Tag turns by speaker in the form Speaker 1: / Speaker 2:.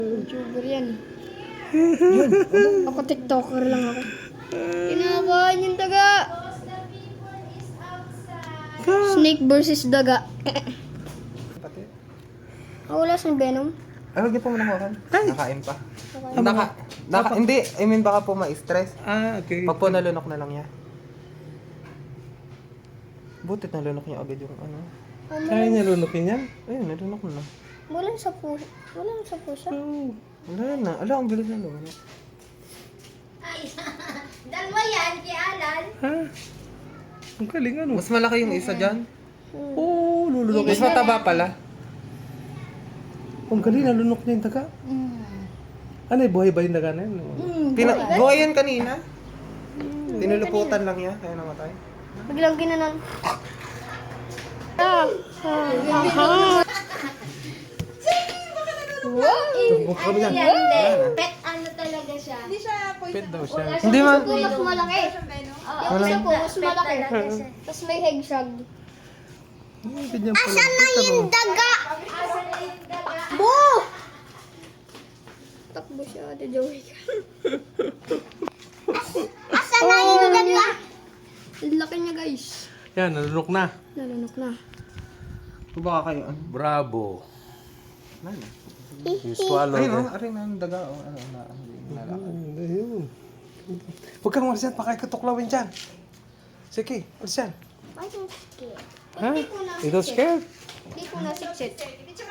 Speaker 1: YouTuber yan. Ako TikToker lang ako. Kinakain yung daga. Snake versus daga.
Speaker 2: Pati.
Speaker 1: Wala siyang venom.
Speaker 2: Ay, huwag niyo po manakuhan. Nakain pa.
Speaker 1: Nakain.
Speaker 2: Hindi, I mean baka po ma-stress.
Speaker 3: Okay.
Speaker 2: Pag po nalunok na lang niya. Butit nalunok niya agad yung ano.
Speaker 3: Kaya niya lunukin yan?
Speaker 2: Ayun, nalunok na.
Speaker 1: Walang sa puso. Walang sa puso.
Speaker 3: Oh.
Speaker 2: Wala na. Ala, ang bilis na lumunok.
Speaker 4: Dalawa yan, kay Alan.
Speaker 3: Ha? Ang galing ano?
Speaker 2: Mas malaki yung isa dyan.
Speaker 3: Oo, lulunukin.
Speaker 2: Mas mataba pala.
Speaker 3: Ang galing, nalunok niya yung daga. Ano yung buhay ba yung daga na yun?
Speaker 2: Buhay yan kanina. Tinuluputan lang niya, kaya namatay.
Speaker 1: Biglang ginanon.
Speaker 3: Tumbok kami yan.
Speaker 4: Pet ano talaga siya.
Speaker 3: Pet daw siya.
Speaker 2: Hindi man.
Speaker 1: Mas malaki. Yung isa po, mas malaki. Tapos may hedgehog.
Speaker 3: Ganyan pala. Asan na yung
Speaker 1: Daga! Bo! Takbo siya, Ate Joey. Asan na yung daga? Ang laki niya, guys.
Speaker 3: Yan, nalunok na.
Speaker 1: Nalunok na.
Speaker 2: Kung baka kayo, ano?
Speaker 3: Bravo.
Speaker 2: Nana.
Speaker 3: Yung swallow.
Speaker 2: Ayun, oh, aray na ang daga. Oh, ano, nalakad.
Speaker 3: Ayun. Huwag kang malis yan, pakikatuklawin dyan. Sige, malis yan.
Speaker 1: Why don't you scared?
Speaker 3: Ha? Ikaw scared?
Speaker 1: Hindi ko nasiksit.